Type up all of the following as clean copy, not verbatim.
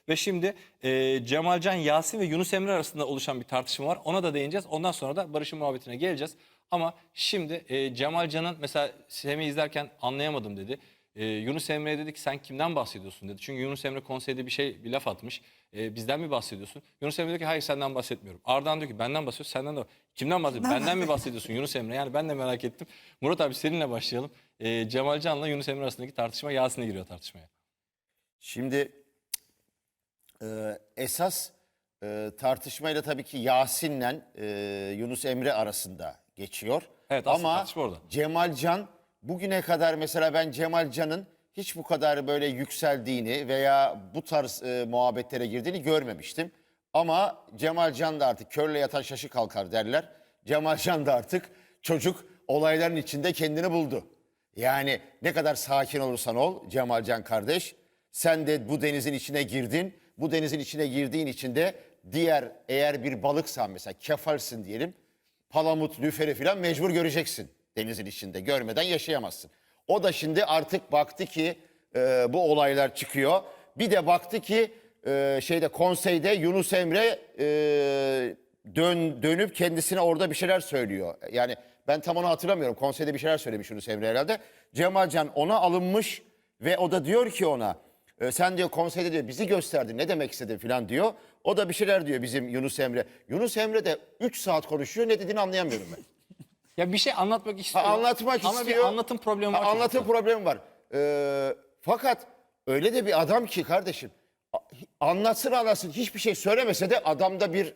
Ve şimdi Cemalcan, Yasin ve Yunus Emre arasında oluşan bir tartışma var. Ona da değineceğiz. Ondan sonra da Barış'ın muhabbetine geleceğiz. Ama şimdi Cemalcan'ın mesela Semih'i izlerken anlayamadım dedi. Yunus Emre'ye dedi ki sen kimden bahsediyorsun dedi. Çünkü Yunus Emre konseyde bir laf atmış. Bizden mi bahsediyorsun? Yunus Emre diyor ki hayır senden bahsetmiyorum. Ardahan diyor ki benden bahsediyorsun, senden de. Kimden bahsediyorsun? Benden mi bahsediyorsun Yunus Emre? Yani ben de merak ettim. Murat abi seninle başlayalım. Cemalcan'la Yunus Emre arasındaki tartışma, Yasin'e giriyor tartışmaya. Şimdi esas tartışmayla tabii ki Yasin'le Yunus Emre arasında geçiyor. Evet, aslında Ama tartışma orada. Cemalcan bugüne kadar mesela ben Cemalcan'ın hiç bu kadar böyle yükseldiğini veya bu tarz muhabbetlere girdiğini görmemiştim. Ama Cemalcan da artık körle yatan şaşı kalkar derler. Cemalcan da artık çocuk olayların içinde kendini buldu. Yani ne kadar sakin olursan ol Cemalcan kardeş, sen de bu denizin içine girdin. Bu denizin içine girdiğin için de diğer eğer bir balıksan mesela kefalsin diyelim. Palamut, lüferi falan mecbur göreceksin denizin içinde. Görmeden yaşayamazsın. O da şimdi artık baktı ki bu olaylar çıkıyor. Bir de baktı ki konseyde Yunus Emre dönüp kendisine orada bir şeyler söylüyor. Yani ben tam onu hatırlamıyorum. Konseyde bir şeyler söylemiş Yunus Emre herhalde. Cemalcan ona alınmış ve o da diyor ki ona sen diyor konseyde diyor bizi gösterdin ne demek istedin falan diyor. O da bir şeyler diyor bizim Yunus Emre. Yunus Emre de 3 saat konuşuyor, ne dediğini anlayamıyorum ben. Ya bir şey anlatmak istiyor. Anlatmak ama istiyor. bir anlatım problemi var. Anlatım problemi var. Fakat öyle de bir adam ki kardeşim anlatsın hiçbir şey söylemese de adamda bir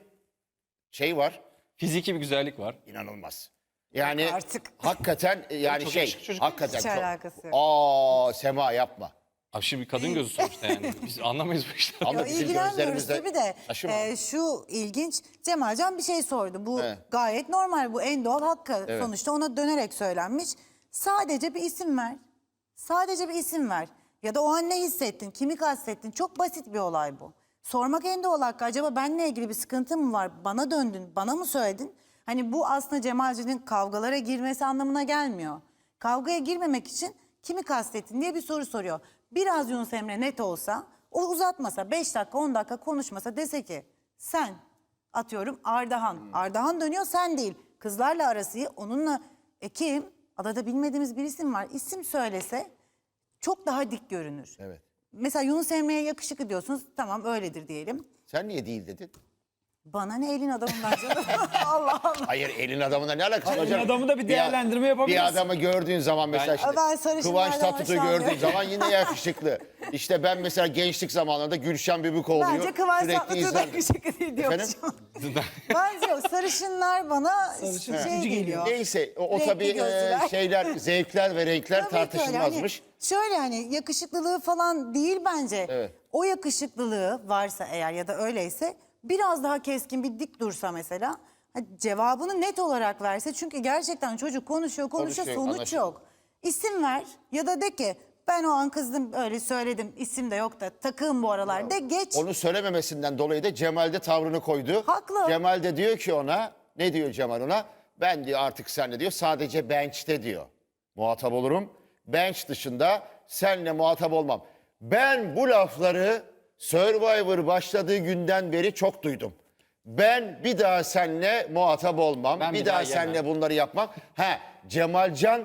şey var. Fiziki bir güzellik var. İnanılmaz. Yani Artık. hakikaten yani Çok şey yakışıklı çocuk. hakikaten Hiç çok. alakası yok. Sema yapma. Abi şimdi bir kadın gözü sonuçta yani. Biz anlamayız bu işleri. Ama Yo, bizim ilgilenmiyoruz gözlerimizde tabii de taşıma. şu ilginç, Cemalcan bir şey sordu. Bu Evet. gayet normal, bu en doğal hakkı. Evet. Sonuçta ona dönerek söylenmiş. Sadece bir isim ver. Sadece bir isim ver. Ya da o an ne hissettin, kimi kastettin? Çok basit bir olay bu. Sormak en doğal hakkı. Acaba benimle ilgili bir sıkıntı mı var? Bana döndün, bana mı söyledin? Hani bu aslında Cemalcan'ın kavgalara girmesi anlamına gelmiyor. Kavgaya girmemek için kimi kastettin diye bir soru soruyor. Biraz Yunus Emre net olsa, o uzatmasa, 5 dakika 10 dakika konuşmasa, dese ki sen, atıyorum Ardahan. Ardahan dönüyor, sen değil. Kızlarla arası iyi, onunla kim? Adada bilmediğimiz bir isim var. İsim söylese çok daha dik görünür. Evet. Mesela Yunus Emre'ye yakışıklı diyorsunuz. Tamam öyledir diyelim. Sen niye değil dedin? Bana ne elin adamından canım. Allah Allah. Hayır elin adamına ne alakası var Elin canım? adamı da bir değerlendirme yapabilirsin. Bir adamı gördüğün zaman mesela şimdi Ben sarışınlardan Kıvanç Tatlıtuğ'u hoşlanmıyorum. gördüğün zaman yine yakışıklı. İşte ben mesela gençlik zamanlarında Gülşen Bibikoğlu'yu Bence Kıvanç sürekli Tatlıtuğ da izlerdim. yakışıklı değil diyormuşum. Efendim? Bence o sarışınlar bana Sarışın şey ikinci geliyor. Neyse o Renkli tabii gözlüler. şeyler, zevkler ve renkler Tabii ki öyle. tartışılmazmış. Hani şöyle hani yakışıklılığı falan değil bence. Evet. O yakışıklılığı varsa eğer ya da öyleyse biraz daha keskin bir dik dursa mesela. Cevabını net olarak verse. Çünkü gerçekten çocuk konuşuyor Konuşuyor, sonuç anlaşılıyor. yok. İsim ver ya da de ki ben o an kızdım öyle söyledim isim de yok da takığım bu aralar de geç. Onu söylememesinden dolayı da Cemal de tavrını koydu. Haklı. Cemal de diyor ki ona, ne diyor Cemal ona? Ben diyor artık senle diyor sadece bench'te diyor. Muhatap olurum. Bench dışında senle muhatap olmam. Ben bu lafları Survivor başladığı günden beri çok duydum. Ben bir daha seninle muhatap olmam. Ben bir daha seninle bunları yapmam. Cemalcan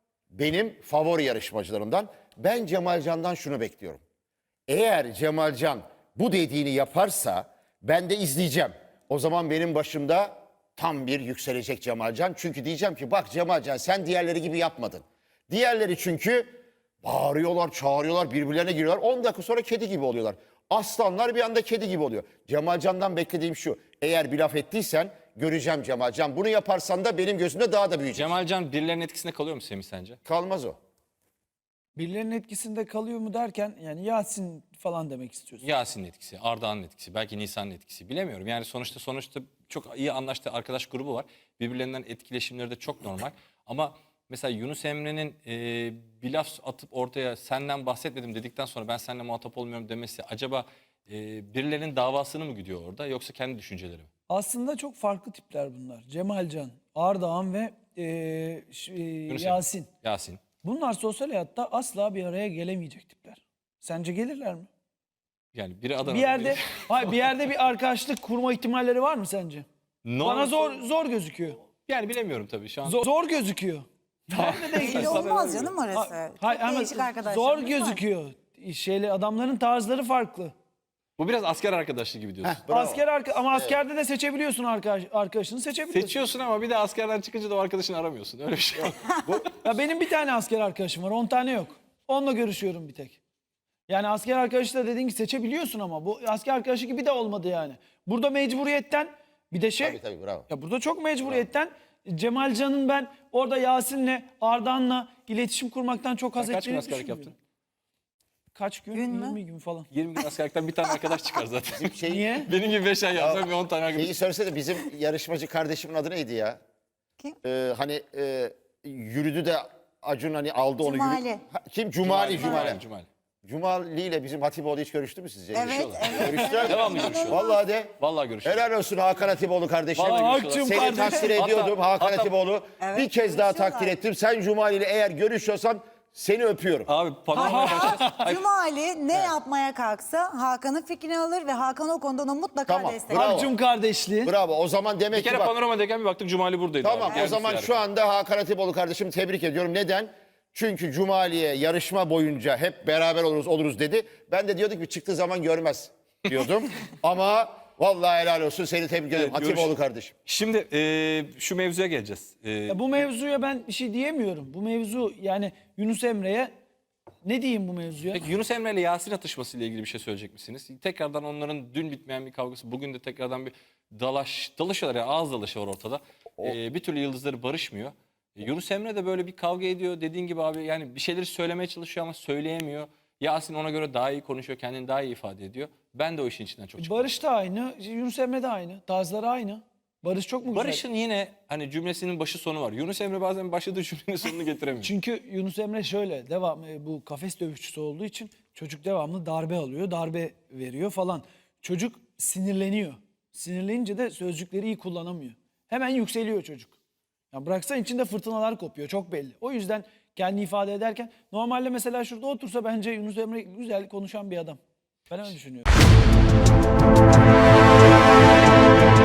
benim favori yarışmacılarımdan. Ben Cemalcan'dan şunu bekliyorum. Eğer Cemalcan bu dediğini yaparsa ben de izleyeceğim. O zaman benim başımda tam bir yükselecek Cemalcan. Çünkü diyeceğim ki bak Cemalcan sen diğerleri gibi yapmadın. Diğerleri çünkü bağırıyorlar, çağırıyorlar, birbirlerine giriyorlar. 10 dakika sonra kedi gibi oluyorlar. Aslanlar bir anda kedi gibi oluyor. Cemalcan'dan beklediğim şu. Eğer bir laf ettiysen göreceğim Cemalcan. Bunu yaparsan da benim gözümde daha da büyüyecek. Cemalcan birilerinin etkisinde kalıyor mu Semih sence? Kalmaz o. Birilerinin etkisinde kalıyor mu derken yani Yasin falan demek istiyorsun. Yasin'in etkisi, Ardahan'ın etkisi, belki Nisan'ın etkisi bilemiyorum. Yani sonuçta çok iyi anlaştığı arkadaş grubu var. Birbirlerinden etkileşimleri de çok normal. Ama mesela Yunus Emre'nin bir laf atıp ortaya senden bahsetmedim dedikten sonra ben seninle muhatap olmuyorum demesi acaba birilerinin davasını mı gidiyor orada yoksa kendi düşünceleri mi? Aslında çok farklı tipler bunlar. Cemalcan, Ardahan ve Yunus Emre. Yasin. Yasin. Bunlar sosyal hayatta asla bir araya gelemeyecek tipler. Sence gelirler mi? Yani biri Adana'da. Bir yerde biri- hayır, bir yerde bir arkadaşlık kurma ihtimalleri var mı sence? Bana zor gözüküyor. Yani bilemiyorum tabii şu an. Zor gözüküyor. Nerede de Belli olmaz canım orası. Çok Hayır, ama değişik arkadaşlar. zor gözüküyor. Adamların tarzları farklı. Bu biraz asker arkadaşlığı gibi diyorsun. Bravo. Ama askerde de seçebiliyorsun arkadaşını seçebiliyorsun. Seçiyorsun ama bir de askerden çıkınca da o arkadaşını aramıyorsun. Öyle bir şey yok. Ya benim bir tane asker arkadaşım var, 10 tane yok. Onunla görüşüyorum bir tek. Yani asker arkadaşı da dediğin gibi seçebiliyorsun ama bu asker arkadaşı gibi de olmadı yani. Burada mecburiyetten bir de Tabii bravo. ya burada çok mecburiyetten Cemalcan'ın ben orada Yasin'le, Ardahan'la iletişim kurmaktan çok haz Kaç gün edeceğini askerlik düşünmüyorum. yaptın? Kaç gün? Gün mü? 20 gün falan. 20 gün askerlikten bir tane arkadaş çıkar zaten. Niye? Benim gibi 5 ay yapsam bir 10 tane arkadaş. Şeyi söylesene, bizim yarışmacı kardeşimin adı neydi ya? Kim? Hani yürüdü de Acun hani aldı onu. Cumali. Kim? Cumali. Cumali. Cumali ile bizim Hatipoğlu hiç görüştü mü sizce? Evet, Görüşüyorlar. evet. Görüştüler. Devamlı görüşüyorlar. Vallahi de. Vallahi görüşüyorlar. Helal olsun Hakan Hatipoğlu kardeşim. Vallahi Aa, görüşüyorlar. Akçım Seni takdir Hatta- ediyordum Hakan hatta- Hatipoğlu. Evet, bir kez daha görüşüyorlar. takdir ettim. Sen Cumali ile eğer görüşüyorsan seni öpüyorum. Abi panoramaya başlayacağız. Cumali ne yapmaya kalksa Hakan'ın fikrini alır ve Hakan o konuda onu mutlaka Tamam, destekler. bravo. Akçum kardeşliği. Bravo. O zaman demek Bir ki kere bak. panoramadayken bir baktım Cumali buradaydı. Tamam abi. o Gelmiş zaman yani. şu anda Hakan Hatipoğlu kardeşimi tebrik ediyorum. Neden? Çünkü Cumali'ye yarışma boyunca hep beraber oluruz dedi. Ben de diyorduk ki çıktığı zaman görmez diyordum. Ama vallahi helal olsun, seni tebrik ederim Evet, Hatipoğlu kardeşim. Şimdi şu mevzuya geleceğiz. Ya bu mevzuya ben bir şey diyemiyorum. Bu mevzu yani Yunus Emre'ye ne diyeyim bu mevzuya? Peki Yunus Emre ile Yasin atışması ile ilgili bir şey söyleyecek misiniz? Tekrardan onların dün bitmeyen bir kavgası, bugün de tekrardan bir dalışıyorlar ya, ağız dalaşı var ortada. Bir türlü yıldızları barışmıyor. Yunus Emre de böyle bir kavga ediyor. Dediğin gibi abi yani bir şeyleri söylemeye çalışıyor ama söyleyemiyor. Yasin ona göre daha iyi konuşuyor, kendini daha iyi ifade ediyor. Ben de o işin içinden çok çıkıyorum. Barış da aynı, Yunus Emre de aynı. Tarzları aynı. Barış çok mu güzel? Barış'ın yine hani cümlesinin başı sonu var. Yunus Emre bazen başladığı cümlenin sonunu getiremiyor. Çünkü Yunus Emre şöyle bu kafes dövüşçüsü olduğu için çocuk devamlı darbe alıyor, darbe veriyor falan. Çocuk sinirleniyor. Sinirlenince de sözcükleri iyi kullanamıyor. Hemen yükseliyor çocuk. Ya bıraksan içinde fırtınalar kopuyor, çok belli. O yüzden kendini ifade ederken normalde mesela şurada otursa bence Yunus Emre güzel konuşan bir adam. Ben öyle düşünüyorum.